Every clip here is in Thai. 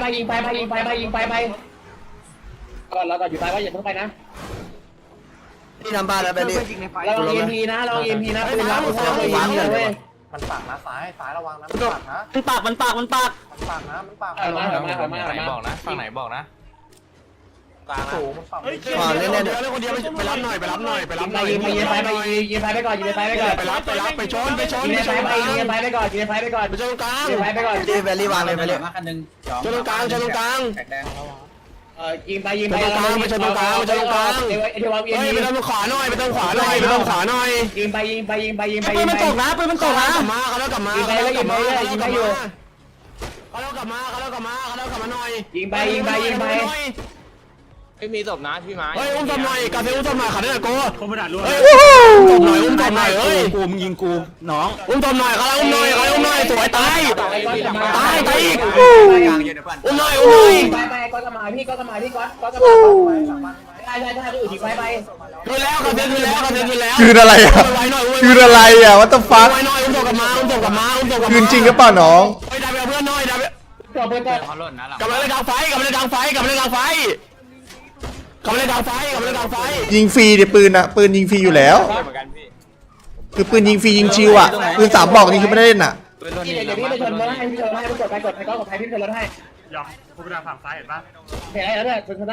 ยิงไปก่อนเราก่อนอยู่ไปว่าอย่าเพิ่งไปนะที่ทำบ้านแล้วไปดิเราเอ็มพีนะปืนรับปืนรับเลยเว้ยมันปากนะซ้ายระวังนะมันปากนะมันปากมันปากนะมันปากมาบอกนะฝั่งไหนบอกนะกลางนะสูงมันปากก่อนเล่นเดี๋ยวคนเดียวไปรับหน่อยไปรับหน่อยไปรับหน่อยยิงไปก่อนไปชนยิงไปก่อนไปชนกลางไปก่อนที่แวลลี่วางเลยไปเลยชนตรงกลางยิงไปไปตรงกลางเฮ้ยไปทางขวาหน่อยไปทางขวาหน่อยยิงไปปืนมันตกนะปืนมันตกนะกลับมาเขาแล้วกลับมาเขาแล้วกลับมาหน่อยยิงไปไม่มีศพนะพี่ไม้เฮ้ยอุ้มศพหน่อยกาเซ่อุ้มศพหน่อยขันหน่อยโก้คอมพิวเตอร์รู้เฮ้ยอุ้มศพหน่อยเฮ้ยกูมึงยิงกูน้องอุ้มศพหน่อยเขาอุ้มหน่อยสวยตายอีกอุ้มหน่อยไปก็กระมาพี่ก็กระมาใช่อื่นอีกไปคืนแล้วกาเซ่คืนแล้วคืนอะไรอ่ะคืนอะไรอ่ะวัตถุฟักไว้หน่อยอุ้มศพกลับมาคืนจริงหรือเปล่าน้องไปดับเพื่อนหน่อยดับตัวเพื่อนก็เขาหล่นนะหลังกลับมาเล่นกลางไฟกลับมาเล่นกลางไฟยิงฟรีดิปืนอ่ะปืนยิงฟรีอยู่แล้วเหมือนกันพี่คือปืนยิงฟรียิงชิวอ่ะปืน3 บอกนี่คือไม่ได้เล่นอ่ะพี่เดี๋ยวพี่ไปชนรถให้พี่ชนให้กดไปก็กดไปพี่ชนรถให้หยอกคอมพิวเตอร์ฝั่งซ้ายเห็นปะเห็นอะไรแล้วเนี่ยชนได้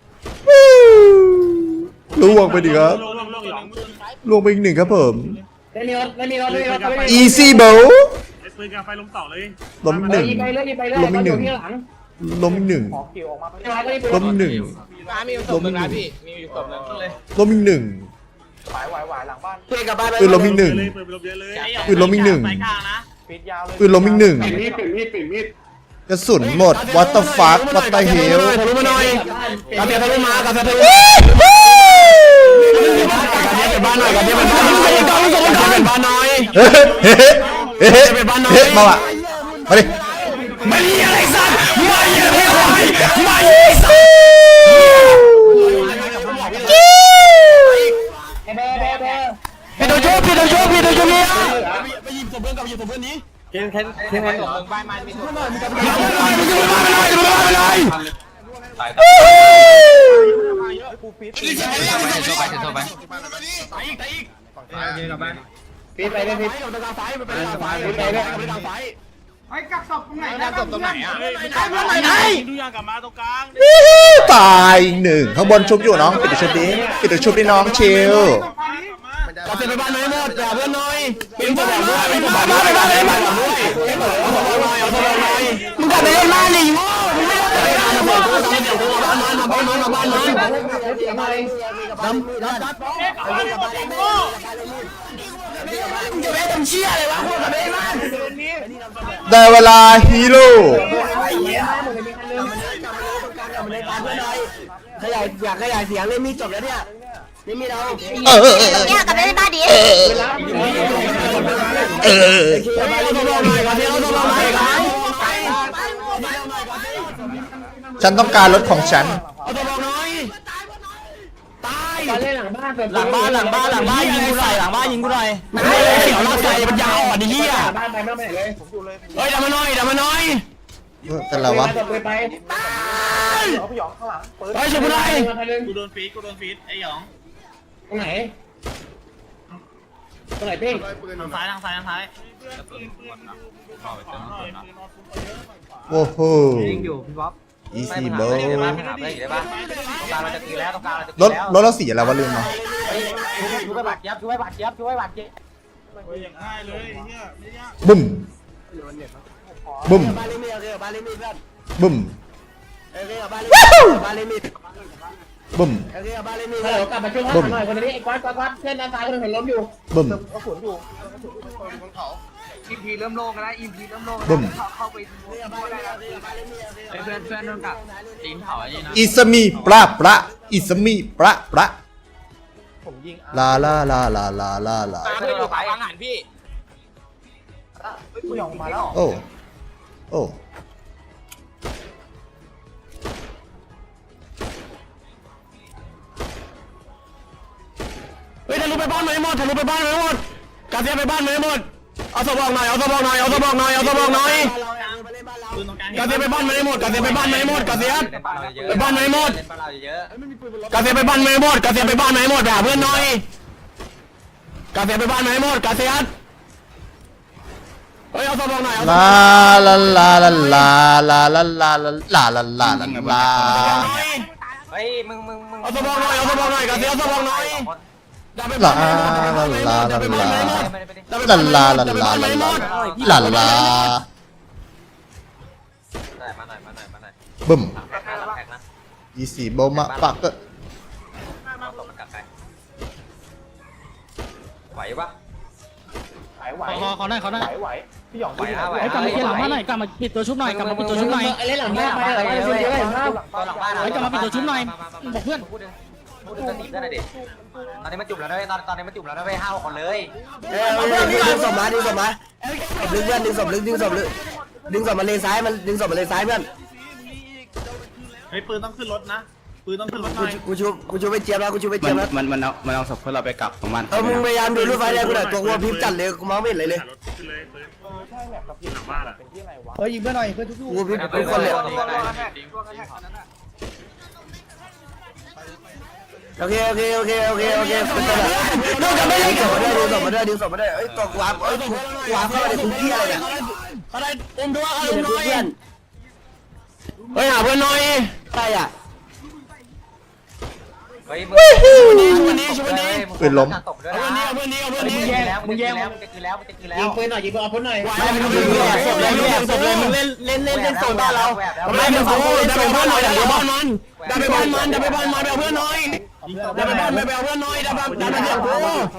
ล่วงไปดิครับลงหยองล่วงไปอีก1ครับผมไม่มีรถ easy b o ไอ้ปืนกาไฟลงต่อเลยล้มอีก1 ยิงไปเรื่อยที่หลังล้มอีกขอคิวออกมา 1ล้มอีกมีศพหนึ่งนะพี่มีอยู่ศพหนึ่งเลย 1ล้มอีก1 หวายหลังบ้านเพื่อนกลับบ้านไปปืนล้มอีกเลย 1 ปืนไปลบเยอะเลยปืนล้มอีก1 ปิดยาวเลยปืนล้มอีก1กระสุนหมด what the fuck what the hell ทะลุมาหน่อยกาเซ่ทะลุมากาเซ่ทะลุบ้านหน่อยกาเซ่เป็นบ้านหน่อยเป็นบ้านหน่อยเฮ้มาว่ะมาดิไม่มีอะไรสัตว์ไม่มีอะไรไม่มีสัตว์ พี่ตัวชูเนี่ยไปหยิบศพเพื่อนกับหยิบศพเพื่อนนี้ศพหนึ่งบ้านมันมีศพ ตายถือโทษไปพี่ไปเลยพี่ศพตรงไหนอ่ะดูยางกลับมาตรงกลางตายอีก1ข้างบนชุบอยู่น้องปิดชุบดิน้องชิลกาเซ่ไปบ้านไหนหมดอย่าเพื่อนหน่อยเป็นบ้านด้วยเป็นบ้านด้วยเอาศพหน่อยมึงกลับไปเล่นบ้านดิโง่มึงไม่ได้บ้านจะไปทำเชี่ยอะไรวะพวกกลับไปเล่นบ้านได้เวลาฮีโร่ขยายอยากขยายเสียงเลยมีจบแล้วเนี่ยนี่มีเราเนี่ยกลับไปในบ้านดิฉันต้องการรถของฉันเอาตัวบอกหน่อยตายเล่นหลังบ้านหลังบ้านยิงกูหน่อยหลังบ้านยิงกูหน่อยไม่เสียวเราใส่มันยาวอ่ะดิเหี้ยบ้านไปไม่ไหนเลยเฮ้ยดับมาหน่อยเป็นไรวะไปเอาพี่หยองข้างหลังปืนเฮ้ยช่วยกูหน่อยกูโดนฟีดไอ้หยองตรงไหนพี่ทางซ้ายโอ้โหยิงอยู่พี่บ๊อบ easy ไป bro หาไปได้ปะตรงกลางเราจะตีแล้วตรงกลางเราจะตีรถแล้วรถเราสีอะไรวะลืมมาช่วยบาดเจ็บอย่างง่ายเลยเนี่ยไม่ยากบุ้มบุ้มบ้านเลมีบ้านเลมีเพื่อนบุ้มบ้านเลมีบุ้มบ้านเลมีฮัลโหลกลับมาช่วยหน่อยคนนี้ไอ้ก๊อตเพื่อนด้านซ้ายคนนึงเห็นล้มอยู่บุ้มอิมพีเริ่มโล่งแล้วอิมพีเริ่มโล่งบุ้มเข้าไปเพื่อนโดนกัดตีนเผาไอ้นี่นะอิสมีประอิสมีประผมยิงลาลาลาลาลาลาลาไม่ได้อยู่ขวาอาหารพี่พี่หยองมาแล้วโอ้โอ้เฮ้ยทะลุไปบ้านไหนหมดกาเซียไปบ้านไหนหมดเอาศพบอกหน่อยปืนตรงกลางกาเซียไปบ้านมันให้หมดกาเซียไปบ้านมันให้หมดกาเซียไปบ้านมันให้หมดกาเซียไปบ้านมันให้หมดกาเซียไปบ้านมันให้หมดไปหาเพื่อนหน่อยกาเซียไปบ้านมันให้หมดกาเซียเฮ้ยเอาสมองหน่อยลาลาลาลาลาลาลาลาลาลาลาลาลาเฮ้ยมึงเอาสมองหน่อยเอาสมองหน่อยกาเซียเอาสมองหน่อยลาลาลาลาลาลาลาลาลาลาลาลาบึ้ม24โบมาปักเกอร์ไหวปะไหวเขาได้ไหวพี่หยองไหวกลับมาเกียร์หลังบ้านหน่อยกลับมาปิดตัวชุบหน่อยกลับมาปิดตัวชุบหน่อยไอ้เล่นหลังบ้านไปอะไรเยอะเห็นภาพกลับมาปิดตัวชุบหน่อยบอกเพื่อนพูดจะตีได้ไหนดิตอนนี้มันจุ่มแล้วด้วยตอนนี้มันจุ่มแล้วด้วย5 คนเลยดึงศพมาดึงศพมาดึงเพื่อนดึงศพดึงศพดึงศพมาเลนซ้ายมันดึงศพมาเลนซ้ายเพื่อนเฮ้ยปืนต้องขึ้นรถนะปืนต้องขึ้นรถหน่อยกูชูไปเจี๊ยบแล้วกูชูไปเจี๊ยบแล้วมันเอาศพเพื่อเราไปกลับของมันมึงพยายามดูรถไฟแดงกูหน่อยตัวกูพิมพ์จัดเลยกูมองไม่เห็นเลยขึ้นเลยปืนใช่แบบกับพี่หลังบ้านเป็นที่ไหนวะเฮ้ยยิงเพื่อนหน่อยเพื่อนทุกกูพิมพ์ทุกคนเลยโอเคนอกจากไม่ได้ดึงศพมาด้วยดึงศพมาด้วยเอ้ยตัวกูวาเข้ามาในคุกกี้อะไรเนี่ยอะไรเต็มตัวอยู่ในคุกเพื่อนเฮ้ยหาเพื่อนหน่อยใช่อ่ะเฮ้ยปืนล้มตบด้วยเอานะเพื่อนนี้เอาเพื่อนนี้มึงแย่แล้วมันจะกินแล้วยิงปืนหน่อยยิงปืนเอาปืนหน่อยไม่มึงศพเลยมึงเล่นโซนบ้านเราไม่มึงกูจะไปบ้านหน่อยเดี๋ยวบ้านมันจะไปบ้านมันไปเอาเพื่อนหน่อยจะไปบ้านไปเอาเพื่อนหน่อยจะไปเดี๋ยวกู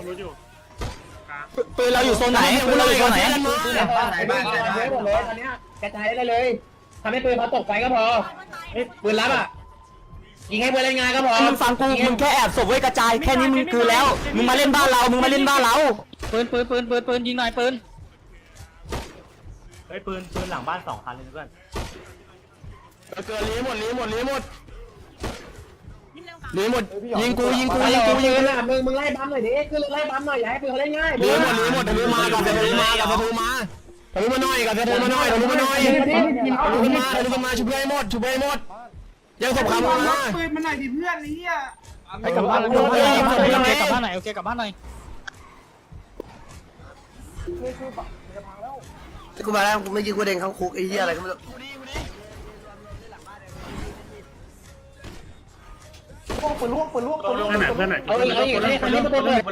ปืนเราอยู่โซนไหนปืนเราอยู่โซนไหนบ้านหมดเลยตอนนี้กระจายได้เลยทำให้ปืนเขาตกไฟก็พอปืนรับอ่ะยิงให้เพื่อนเล่นงานก็พอมึงฟังกูมึงแค่แอบศพไว้กระจายแค่นี้มึงคือแล้วมึงมาเล่นบ้านเราปืนยิงหน่อยปืนเฮ้ยปืนหลังบ้าน2 คันเลยเพื่อนเกิดลีหมดยิงกูปืนอ่ะมึงไล่บัมหน่อยดิคือไล่บัมหน่อยอย่าให้ปืนเขาเล่นง่ายลีหมดทะลุมากับทะลุมาหน่อยทะลุมาชุบให้หมดยังศพคำมาปืนมันไหนดิเพื่อนนี่อ่ะไปกลับบ้านกลับบ้านไหนโอเคกลับบ้านหน่อยกูมาแล้วกูไม่ยิงกูเด้งเข้าคุกไอ้เหี้ยอะไรก็ไม่รู้ปืนล่วงเพื่อนไหนเอาอีกคันนี้มาตัวเลย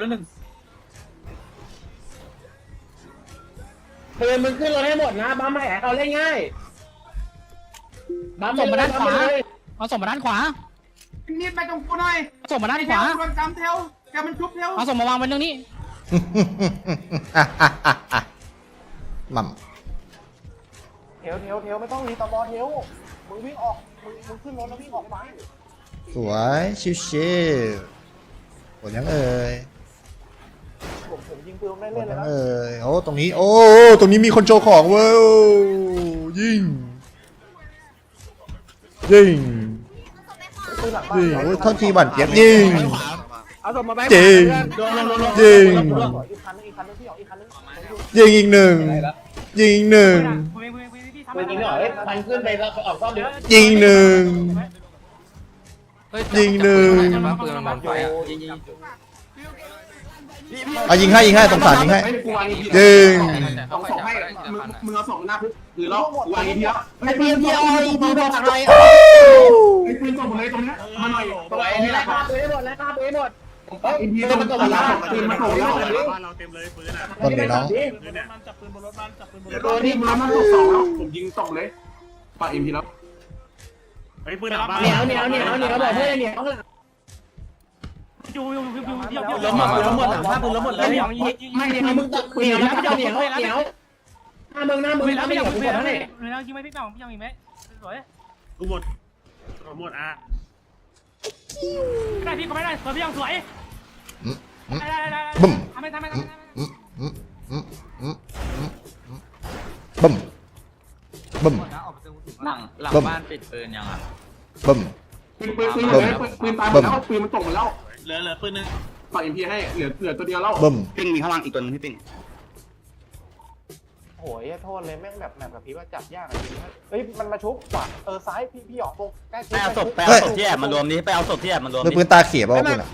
ปืนมึงขึ้นรถให้หมดนะบัมให้เขาเล่นง่ายบัมส่งมาด้านขวาเลยเอาส่งมาด้านขวานี่ไปตรงกูหน่อยส่งมาด้านขวาโดนจำเทลแกมันชุบเทลเอาส่งมาวางไว้ตรงนี้มั่มเทลไม่ต้องรีตอมอเทลมึงวิ่งออกมึงขึ้นรถแล้ววิ่งออกไปสวยชิวๆผลยังเอ่ยผมยิงปืนได้ผเล่ลนเลยัยงนะเอ่ยโอ้ตรงนี้โอ้ตรงนี้มีคนโชว์ของเว้ยยิงโอ้ท่อนทีบั่นเจ็บยิงเอาส่งมาไปจริง ยิงอีกคันนึงพี่หยองอีกคันนึงยิงอีกหนึ่งยิงอีกหนึ่งปืนยิงหน่อยพันขึ้นไปแล้วออกซ่อมเดี๋ยวยิงหนึ่งยิงหนึ่งปืนมันมันไฟอ่ะยิงเอายิงให้สงสารยิงให้ยิงเอาส่งให้มึงเอาส่งหน้าคุกหรือล็อกวางอีกทีแล้วไอ้ปืนที่เอาอีกทีบอกอะไรไอ้ปืนส่งหมดเลยตรงนี้มาหน่อยตัวไอ้นี่ไล่ฆ่าปืนให้หมดไล่ฆ่าปืนให้หมดอินทีต้องมาส่งแล้วปืนมาส่งแล้วบ้านเราเต็มเลยปืนอ่ะต้นเดี๋ยวน้องปืนเนี่ยมันจับปืนบนรถบ้านจับปืนบนรถตัวนี้มันส่ง2แล้วผมยิงส่งเลยปาอินทีแล้วไอ้ปืนหลังบ้านเหนียวบอกเพื่อนเหนียวข้างหลังล้มหมดหลังบ้านปืนล้มหมดเลยไม่เหนียวมึงตัดเหนียวนะพี่เจ้าเหนียวหน้ามึงถ้าไม่เหนียวกูกดให้ยิงไหมพี่น้องพี่ยังอีกไหมสวยกูหมดอ่ะได้พี่ก็ไม่ได้สวยพี่ยังสวยบึ้มทำไมบึ้มบึ้มหลังบ้านปิดปืนยังอ่ะบึ้มปืนตายหมดแล้วปืนมันตกหมดแล้วเหลือปืนนึงปาอินทีให้เหลือตัวเดียวแล้วบึ้มปิ้งมีข้างล่างอีกตัวนึงพี่ปิ้งโหยโทษเลยแม่งแบบกับพี่ว่าจับยากจริงเฮ้ยมันมาชุบว่ะซ้ายพี่หยอกตรงใกล้ไปเอาศพที่แอบมารวมนี้ไปเอาศพที่แอบมารวมมือปืนตาเขียบป่ะคุณอ่ะ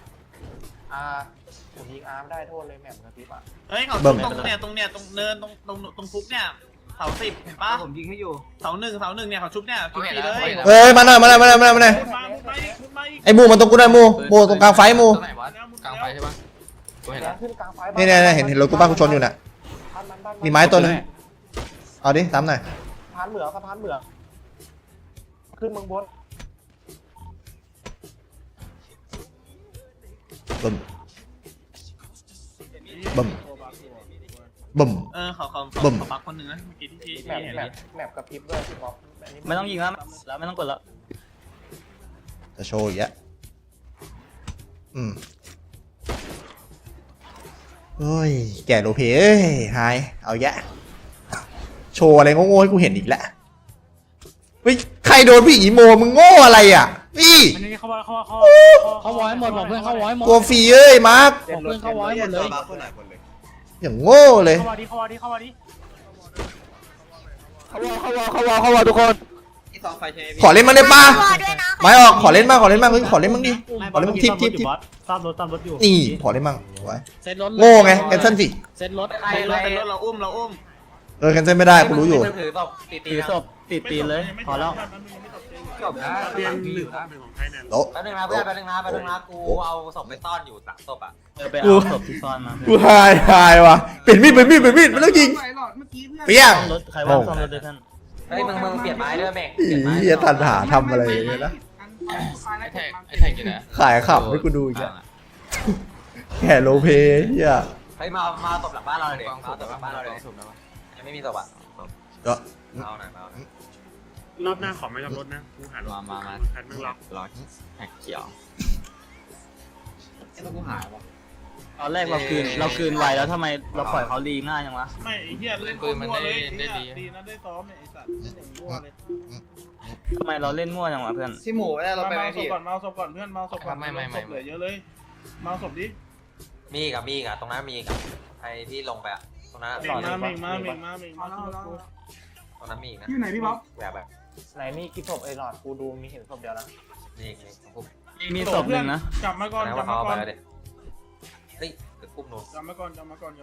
ผมยิงอาร์มได้โทษเลยแม่กับพี่อ่ะเฮ้ยเขาตรงเนี่ยตรงเนินตรงฟุกเนี่ยเสา10เห็นปะผมยิงให้อยู่เสาหนึ่งเนี่ยเขาชุบเนี่ยชุบทีเลยเอ้ยมาหน่อยไอ้มูมันตรงกูได้มูตรงกลางไฟมูตรงไหนวะกลางไฟใช่ปะกูเห็นแล้วขึ้นกลางไฟนี่เห็นรถกูบ้านกูชนอยู่น่ะมีไม้ตัวนึงเอาดิตามหน่อยสะพานเหมืองขึ้นเมืองบนบึ้มบึ้มบึ้มเขาปักคนหนึ่งนะเมื่อกี้ที่แมปกับพริบด้วยพี่บ๊อบไม่ต้องยิงแล้วไม่ต้องกดแล้วจะโชว์อีกแล้วเฮ้ยแก่โลเพเอ้ยหายเอาแยะโชว์อะไรโง่ๆให้กูเห็นอีกแล้วเฮ้ยใครโดนพี่อีโมมึงโง่อะไรอ่ะพี่อันนี้เขาวอยหมดบอกเพื่อนเขาวอยหมดตัวฟรีเอ้ยมาร์คบอกเพื่อนเขาวอยหมดเลยอย่างโง่เลยเข้ามาดิเขาวอทุกคนขอเล่นมันได้ป่ะด้วยนะไม้ออกขอเล่นบ้างเฮ้ยขอเล่นบ้างดิขอเล่นบ้างทิปตามรถอยู่นี่ขอเล่นบ้างไว้เซ็ตรถโง่ไงแคนเซิลสิเซ็ตรถเราอุ้มแคนเซิลไม่ได้กูรู้อยู่ถือศพติดตีนเลยพอแล้วจบนะเรียนหนึ่งโตแป๊บนึงนะเพื่อนแป๊บนึงนะกูเอาศพไปซ่อนอยู่3ศพอ่ะไปเอาศพที่ซ่อนมากูหายว่ะเปลี่ยนมีดไม่ต้องยิงเปี้ยงรถใครว่างซ่อมรถด้วยท่านเฮ้ยมึงเปลี่ยนไม้ด้วยแม่งเฮียตันหาทำอะไรอย่างเงี้ยนะไอ้แท็กอยู่ไหนขายขับให้กูดูอีกแล้วแค่โลเพเฮียเฮ้ยมาศพหลังบ้านเราเลยมาศพหลังบ้านเราเลยยังไม่มีศพอ่ะก็เอาหน่อยรอบหน้าขอไม่รับรถนะกูหันมาคันมึงล็อกรอแท็กเขียวไอ้ตัวกูหายวะตอนแรกเราคืนไวแล้วทำไมเราปล่อยเขาลีง่ายจังวะไม่เฮียเล่นปืนมันได้ดีนะได้ซ้อมเนี่ยไอ้สัตว์มั่วเลยทำไมเราเล่นมั่วจังวะเพื่อนที่หมูได้เราไปไหมพี่เมาศพก่อนเพื่อนเมาศพก่อนเหลือเยอะเลยเมาศพดิมีกับตรงนั้นมีกับใครที่ลงไปอ่ะตรงนั้นมาตรงนั้นมีนะอยู่ไหนพี่บ๊อบแบบไหนมีกี่ศพไอ้หลอดกูดูมีเห็นศพเดียวนะนี่ผมมีศพหนึ่งนะกลับมาก่อนนะว่าเขาไปแล้วเด็กเฮ้ยกุ้มนู้นกลับมาก่อนแล้วให้เพื่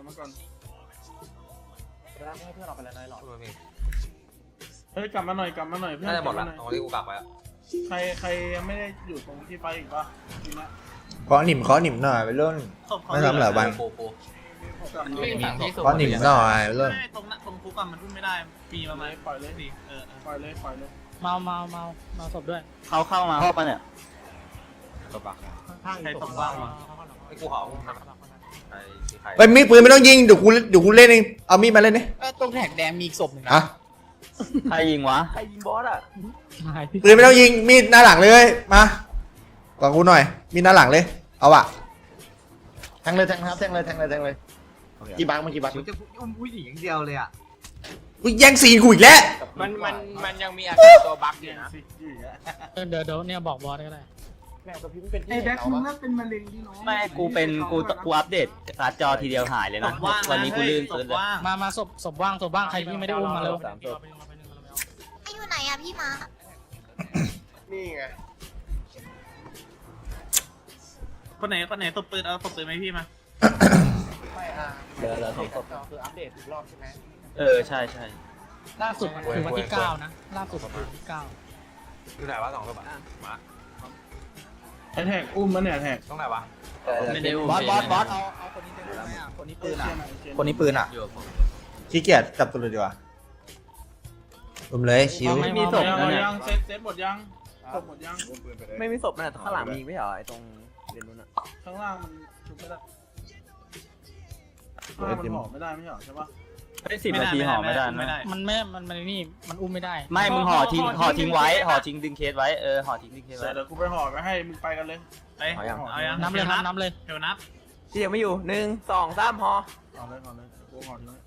อนเราไปแล้วนายหลอดเฮ้ยกลับมาหน่อยเพื่อนน่าจะหมดละตรงที่กูกลับไปอ่ะใครยังไม่ได้อยู่ตรงที่ไปอีกปะทีนี้ขอหนิมหน่อยไปเล่นไม่ทำหลายวันปูขอหนิมหน่อยไปเล่นตรงคุกอะมันพุ่งไม่ได้ปีประมาณปล่อยเลยดิปล่อยเลยเมาศพด้วยเขาเข้ามาห้องปะเนี่ยใครตกบ้างวะไอ้กูขอใครไปมีปืนไม่ต้องยิงเดี๋ยวกูเล่นเองเอามีดมาเล่นนี่ตรงแท็กแดงมีศพหนึ่งอะใครยิงวะปืนไม่ต้องยิงมีดหน้าหลังเลยมาก่อนกูหน่อยมีดหน้าหลังเลยเอาอะแทงเลยกี่บังกี่บังจะอุ้มผู้หญิงอย่างเดียวเลยอ่ะกูแย่งซีนกูอีกแล้วมันยังมีอาการตัวบั๊กอยู่นะเดี๋ยวเนี่ยบอกบอสก็ได้แม่กับพี่เป็นไอ้แบ็คมึงน่าเป็นมะเร็งที่น้องไม่กูอัปเดตการ์ดจอทีเดียวหายเลยนะวันนี้กูลื่นปืนเลยมาศพว่างใครที่ไม่ได้อุ้มมาแล้วไอ้อยู่ไหนอะพี่มานี่ไงคนไหนตบปืนเอาตบปืนไหมพี่มาไม่เดี๋ยวคืออัปเดตอีกรอบใช่ไหมใช่ล่าสุดคือวันที่9นะล่าสุดคือวันที่9 อยู่ไหนวะ2ตัวมาไอ้แท็กอุ้มมันเนี่ยแท็กตรงไหนวะไม่ได้บอสเอาคนนี้ได้ไหมอ่ะคนนี้ปืนอ่ะขี้เกียจจับตัวเลยดีกว่าผมเลยชิวไม่มีศพนะเนี่ยยังเซตหมดยังศพหมดยังไม่มีศพนะข้างหลังมีไม่เหรอไอ้ตรงเรียนนู้นอ่ะข้างล่างมันชุบไม่ได้ข้างล่างมันห่อไม่ได้ไม่ใช่ปะได้10 นาทีห่อไม่ได้นะมันนี่มันอุ้มไม่ได้ไม่มึงห่อทิ้งไว้ห่อทิ้งดึงเคสไว้ห่อทิ้งดึงเคสไว้เดี๋ยวกูไปห่อไปให้มึงไปกันเลยไปเอายังนับเลยเดี๋ยวนับที่ยังไม่อยู่1 2 3ห่อเอาเลยกูห่อทิ้ง